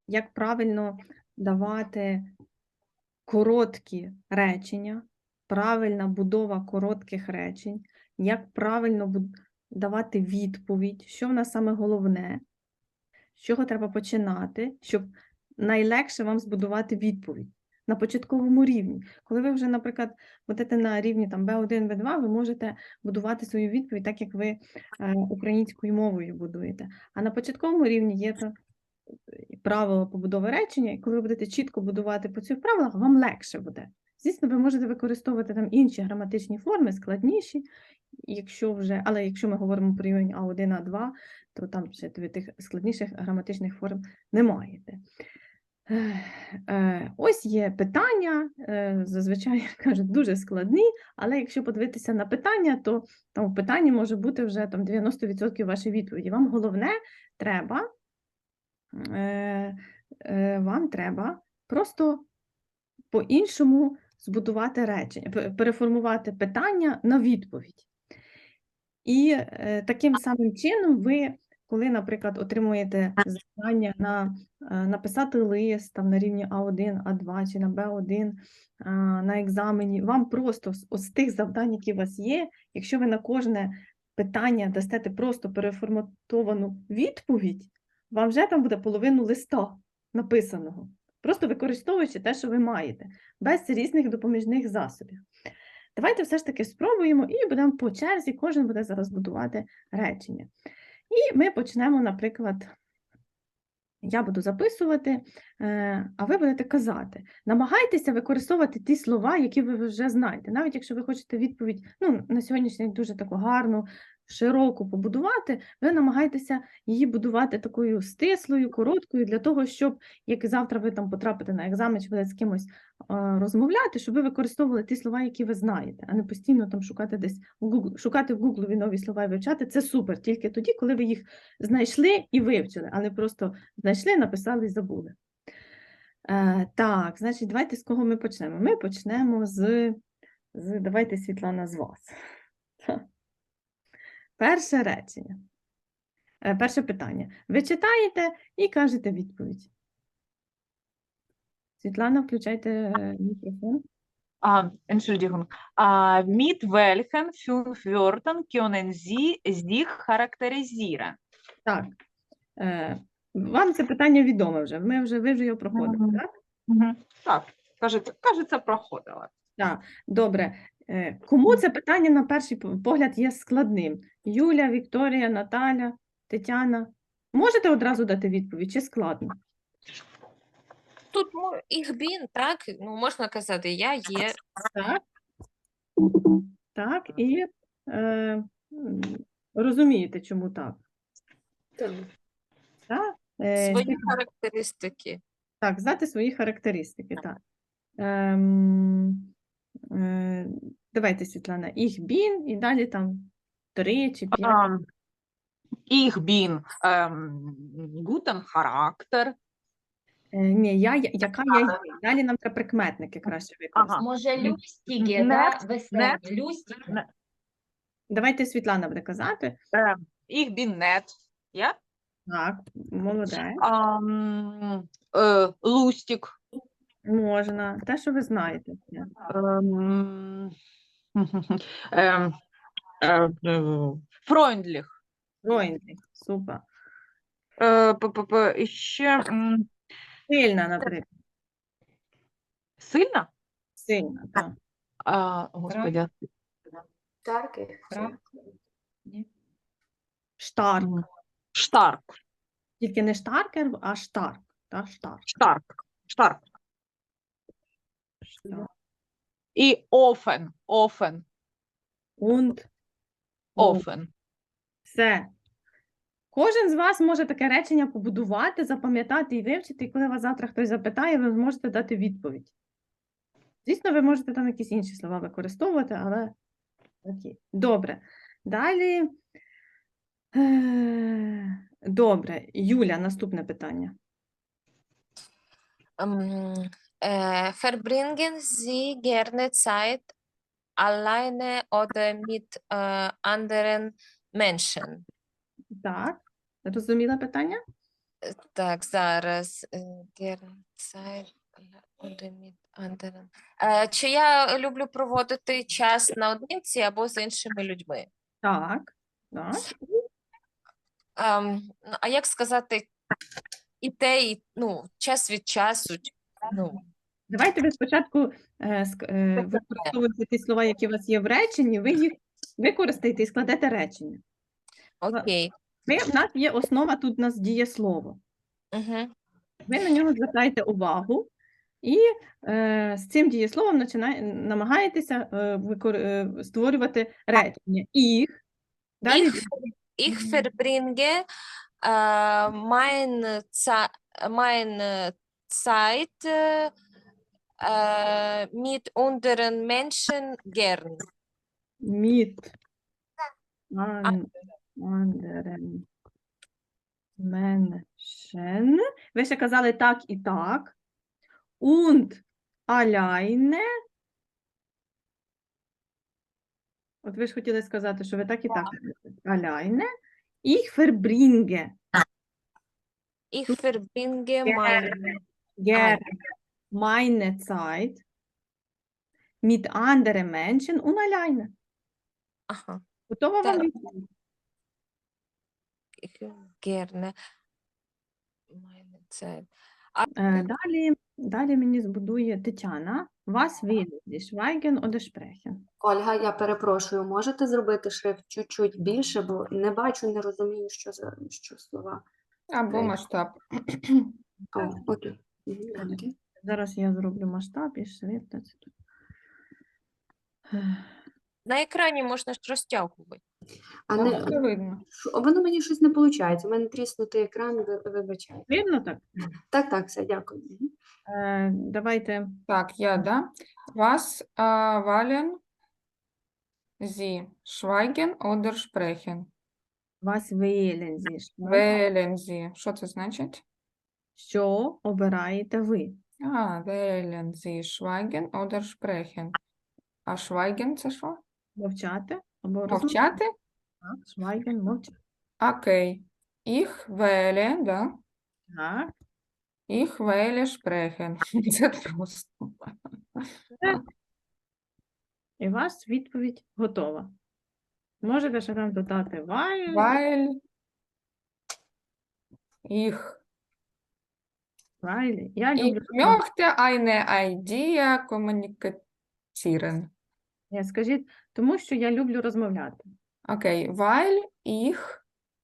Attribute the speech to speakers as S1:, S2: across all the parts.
S1: як правильно давати короткі речення, правильна будова коротких речень, як правильно давати відповідь, що в нас саме головне, з чого треба починати, щоб найлегше вам збудувати відповідь на початковому рівні. Коли ви вже, наприклад, будете на рівні там, B1, B2, ви можете будувати свою відповідь так, як ви українською мовою будуєте. А на початковому рівні є правила побудови речення, і коли ви будете чітко будувати по цих правилах, вам легше буде. Звісно, ви можете використовувати там інші граматичні форми, складніші, але якщо ми говоримо про рівень А1, А2, то там ще тих складніших граматичних форм не маєте. Ось є питання, зазвичай кажуть, дуже складні, але якщо подивитися на питання, то там в питанні може бути вже там 90% вашої відповіді. Вам головне вам треба просто по-іншому збудувати речення, переформувати питання на відповідь. І таким самим чином ви, коли, наприклад, отримуєте завдання написати лист там, на рівні А1, А2 чи на Б1 на екзамені, вам просто з тих завдань, які у вас є, якщо ви на кожне питання дасте просто переформатовану відповідь, вам вже там буде половину листа написаного, просто використовуючи те, що ви маєте, без різних допоміжних засобів. Давайте все ж таки спробуємо і будемо по черзі, кожен буде зараз будувати речення. І ми почнемо, наприклад, я буду записувати, а ви будете казати. Намагайтеся використовувати ті слова, які ви вже знаєте. Навіть якщо ви хочете відповідь, на сьогоднішній день дуже таку гарну, широку побудувати, ви намагаєтеся її будувати такою стислою, короткою, для того, щоб, як завтра ви там потрапите на екзамен, чи будете з кимось розмовляти, щоб ви використовували ті слова, які ви знаєте, а не постійно там шукати десь шукати в Гуглові нові слова і вивчати. Це супер, тільки тоді, коли ви їх знайшли і вивчили, а не просто знайшли, написали і забули. Так, значить, давайте з кого ми почнемо? Ми почнемо давайте, Світлана, з вас. Перше речення. Перше питання. Ви читаєте і кажете відповідь. Світлана, включайте мікрофон.
S2: Entschuldigung. Mit welchen 5 Wörtern können Sie sich charakterisieren?
S1: Так. Вам це питання відоме вже. Ви вже його проходили, так?
S2: Так, кажеться, проходила.
S1: Так, добре. Кому це питання на перший погляд є складним? Юля, Вікторія, Наталя, Тетяна? Можете одразу дати відповідь, чи складно?
S3: Тут їх бін, так? Можна казати, я є.
S1: Так. Так, і розумієте, чому так? Так?
S3: Свої характеристики.
S1: Так, знати свої характеристики, так. Давайте, Світлана, їх бін, і далі там 3 чи 5.
S2: Ich bin guten Charakter.
S1: Ні, яка я є. Далі нам треба прикметники краще використати.
S4: Може, люстіки, да? Веселі. Люстіки.
S1: Давайте Світлана буде казати.
S2: Ich bin nett. Ja?
S1: Так, молодець.
S2: Lustig.
S1: Можна. Те, що ви знаєте.
S2: Freundlich.
S1: Freundlich. Супер.
S2: Ще
S1: Сильна, наприклад.
S2: сильна?
S1: Сильна, так.
S2: Господи.
S1: Штарк.
S2: Штарк.
S1: Тільки не штаркер, а штарк. Так, штарк.
S2: Штарк. І офен.
S1: Und.
S2: Офен.
S1: Все. Кожен з вас може таке речення побудувати, запам'ятати і вивчити, і коли вас завтра хтось запитає, ви зможете дати відповідь. Звісно, ви можете там якісь інші слова використовувати, але окей. Добре. Далі. Добре. Юля, наступне питання.
S3: Verbringen Sie gerne Zeit alleine oder mit anderen Menschen?
S1: Так. Розуміла питання?
S3: Так, зараз. Gerne Zeit oder mit anderen. Чи я люблю проводити час наодинці або з іншими людьми?
S1: Так, так.
S3: Ну, а як сказати і те, і, ну, час від часу? Ну,
S1: Давайте ви спочатку використовуєте ті слова, які у вас є в реченні, ви їх використаєте і складете речення.
S3: окей.
S1: У нас є основа, тут у нас дієслово.
S3: Угу.
S1: Ви на нього звертаєте увагу і з цим дієсловом намагаєтеся створювати речення. Їх. Далі
S3: Ich verbringe meine Zeit mit anderen Menschen gern.
S1: mit anderen Menschen. Ви ще казали так і так. Und alleine. От ви ж хотіли сказати, що ви так і так. Alleine. Ich verbringe
S3: Ich verbringe
S1: gerne meine Zeit mit anderen Menschen und alleine.
S3: Ага.
S1: Готова вам
S3: Так.
S1: відповідь?
S3: Ich gerne meine Zeit.
S1: Далі мені збудує Тетяна. Was will Sie schweigen oder sprechen?
S5: Ольга, я перепрошую, можете зробити шрифт чуть-чуть більше, бо не бачу, не розумію, що слова.
S2: Або масштаб.
S5: О, окей. Добре.
S1: Зараз я зроблю масштаб і шрифт.
S3: На екрані можна ж розтягувати.
S5: А
S2: Там
S5: не,
S2: все видно.
S5: воно мені щось не виходить. У мене тріснутий екран, вибачайте.
S1: Видно так?
S5: Так, все, дякую. Мгм.
S1: Давайте
S2: Так, я, да? Was wollen Sie schweigen oder sprechen?
S1: вас wählen Sie.
S2: Wählen Sie. Що це значить?
S1: Що обираєте ви?
S2: Wählen Sie schweigen oder sprechen. А schweigen це що?
S1: Мовчати або
S2: Мовчати?
S1: Так, schweigen, мовчати.
S2: Окей. Ich wähle, да?
S1: Так.
S2: Ich wähle sprechen. Це просто.
S1: І у вас відповідь готова. Можете ще там додати weil.
S2: Weil ich
S1: Я люблю.
S2: möchte eine Idee kommunizieren.
S1: Ні, скажіть, тому що я люблю розмовляти.
S2: Окей, weil ich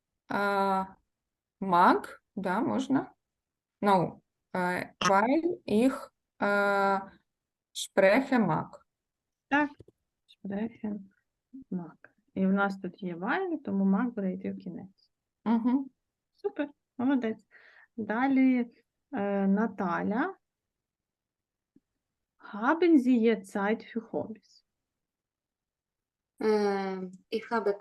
S2: mag, да, можна? No, weil ich spreche mag.
S1: Так. Sprechen, mag. І в нас тут є weil, тому mag буде йти в кінець.
S2: Угу.
S1: Супер, молодець. Далі Наталя. Haben Sie jetzt Zeit für Hobbys?
S5: Ich habe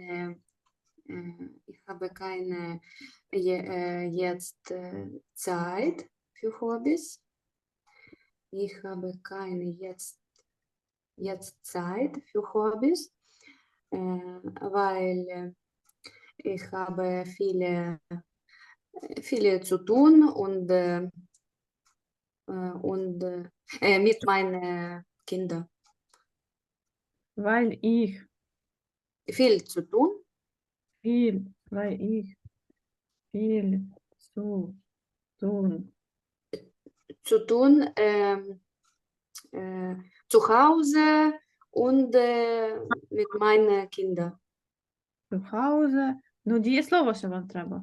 S5: keine jetzt Zeit für Hobbys. Ich habe keine jetzt Zeit für Hobbys, weil ich habe viele zu tun und mit meinen Kindern.
S1: Weil ich
S5: Viel zu tun.
S1: weil ich viel zu tun.
S5: Zu tun zu Hause und mit meinen Kindern.
S1: Zu Hause. Ну, дієслово ще вам треба.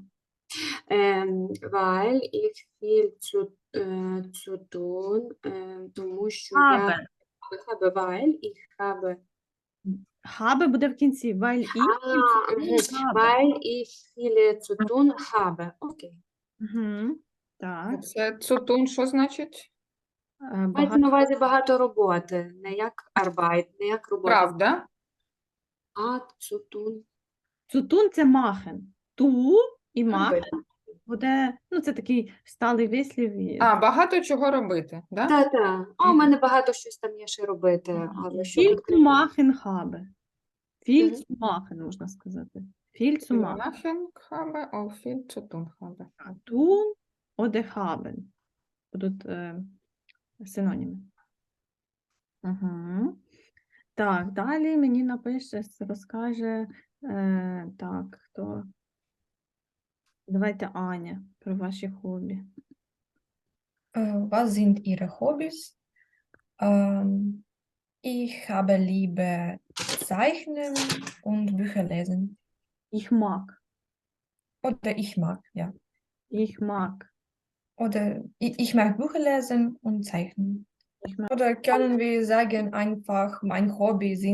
S5: Weil ich viel zu tun, тому що
S1: Habe.
S5: я habe, weil ich habe,
S1: Habe буде в кінці. Weil ich viel zu tun habe.
S5: weil ich viele zu tun habe. Окей.
S1: Мгм. Так.
S2: Це цутун, що значить?
S5: Мається на увазі багато роботи, не як Arbeit, не як робота.
S2: Правда?
S5: А zu tun.
S1: Цутун – це махен. Ту і махен буде, ну, це такий сталий вислів.
S2: Багато чого робити, да?
S5: Та-та. У мене багато щось там є ще робити, але що
S1: Viel zu
S5: конкретно?
S1: machen habe. Viel
S5: Мгм.
S1: zu machen, можна сказати. Viel zu
S2: Viel
S1: machen.
S2: machen habe, auch viel zu tun habe.
S1: Tun oder haben. Будуть синоніми. Угу. Так, далі мені напише, розкаже, так, хто? Давайте Аня про ваші хобі.
S6: Was sind Ihre Hobbys? Ich habe Liebe Zeichnen und Bücher lesen.
S1: Ich mag.
S6: Oder ich mag, ja.
S1: Ich mag.
S6: Oder ich mag Bücher lesen und zeichnen.
S1: Ich mag.
S6: Oder können wir sagen einfach, mein Hobby sind ...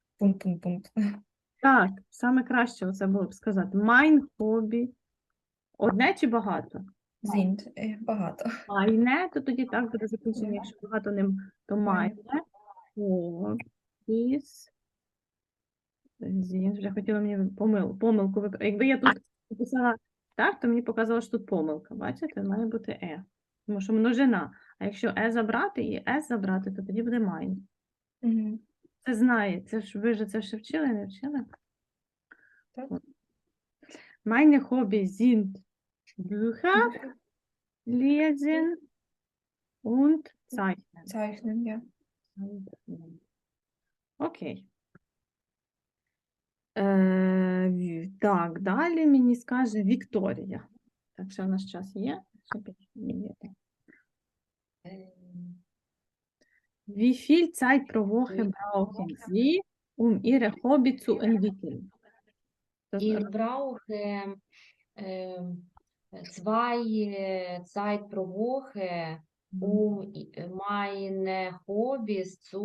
S1: Так, саме краще оце було б сказати. Mein hobby. Одне чи багато?
S6: Sind багато.
S1: Майне, то тоді так буде закінчення. Якщо багато ним, то майне. Hobbies. Вже хотіла мені помилку. Якби я тут написала так, то мені показало, що тут помилка. Бачите? Має бути е. Тому що множина. А якщо е забрати і с забрати, то тоді буде майн.
S6: Mhm.
S1: Це знає. Це ж ви ж це ще вчили, не вчили?
S6: Так.
S1: Meine Hobby sind Bücher lesen und zeichnen.
S6: Zeichnen, ja.
S1: Окей. Так, далі мені скаже Вікторія. Так, ще в нас час є? Ще 5 хвилин є. Wie viel Zeit pro Woche brauchen Sie, um Ihre Hobby zu entwickeln? Das
S4: Ich brauche zwei Zeit pro Woche, um meine Hobbys zu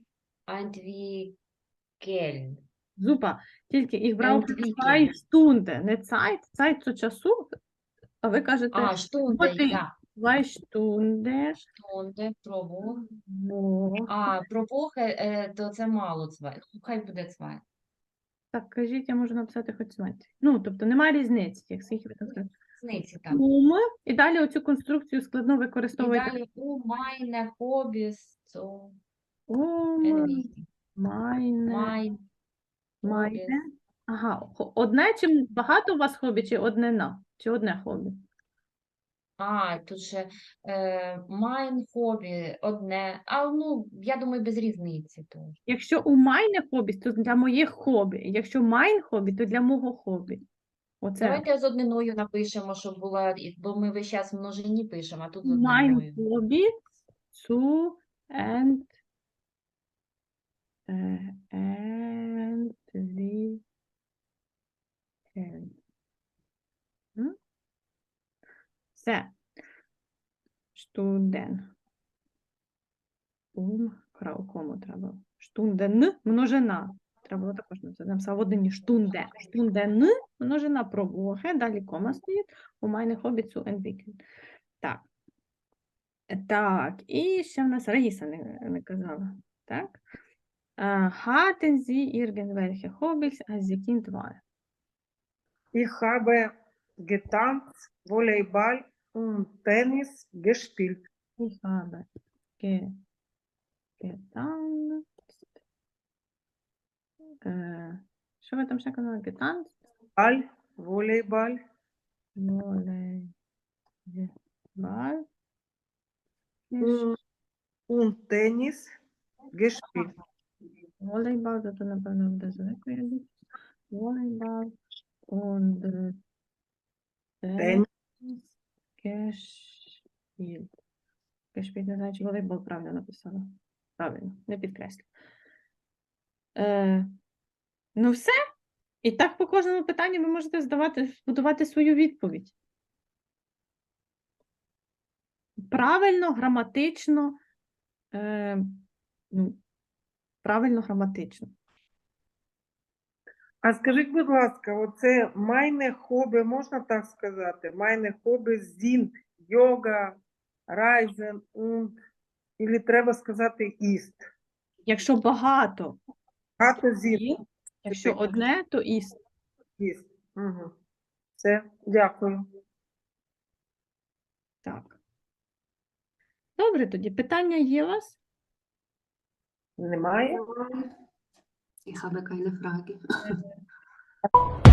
S4: entwickeln.
S1: Super. Тільки їх brauchen
S4: Entwickeln.
S1: 2 Stunden, не Zeit. Zeit – це часу, а ви кажете
S4: Stunde,
S1: Woche.
S4: ja.
S1: 2 Stunden.
S4: Stunde pro Woche.
S1: Wo-
S4: Про Woche, то це мало zwei. Хай буде zwei.
S1: Так, кажіть, я можу написати хоч смерть. Ну, тобто немає різниці, як скільки ви там скажете.
S4: Зниці так.
S1: І далі оцю конструкцію складно
S4: І
S1: використовуєте.
S4: далі meine Hobbys zu
S1: Meine,
S4: entwickeln.
S1: meine.
S4: Hobbys.
S1: Ага, одне чи багато у вас хобі, чи однина? Чи одне хобі?
S4: Тут ще mein hobby одне. Я думаю, без різниці теж.
S1: Якщо у мене хобі, то для моїх хобі. Якщо майн хобі, то для мого хобі. Оце
S4: Давайте з одниною напишемо, щоб була, бо ми весь час в множині пишемо, а тут з
S1: mein
S4: одниною.
S1: Hobby zu entwickeln. М? Все. Stunden. Кому треба? Stunden, множина. Треба було також написати. Написав в однині штунде. Stunden, множина про Woche, далі кома стоїть. У мене хобі zu entwickeln. Так. Так, і ще в нас Раїса не казала. Так? Hatten Sie irgendwelche Hobbys, als Sie Kind waren?
S7: Ich habe getanzt, Volleyball und Tennis gespielt.
S1: Ich habe getanzt. Що ви там ще казали? Getanzt?
S7: Volleyball,
S1: Volleyball.
S7: und Tennis gespielt.
S1: Волейбал, то напевно буде звикли. Волейбал und
S7: Tennis.
S1: gespielt. Gespielt, не знаю, чи волейбол правильно написала. Правильно, не підкреслю. Ну все. І так по кожному питанню ви можете будувати свою відповідь. Правильно, граматично. Правильно, граматично.
S7: А скажіть, будь ласка, оце meine Hobby, можна так сказати? Meine Hobby sind йога, Reisen und, или треба сказати ist?
S1: Якщо багато,
S7: Багато sind,
S1: і, якщо одне, то іст.
S7: ist. Угу. Все, дякую.
S1: Так. Добре, тоді питання є у вас?
S7: Немає?
S5: Ich habe keine Frage.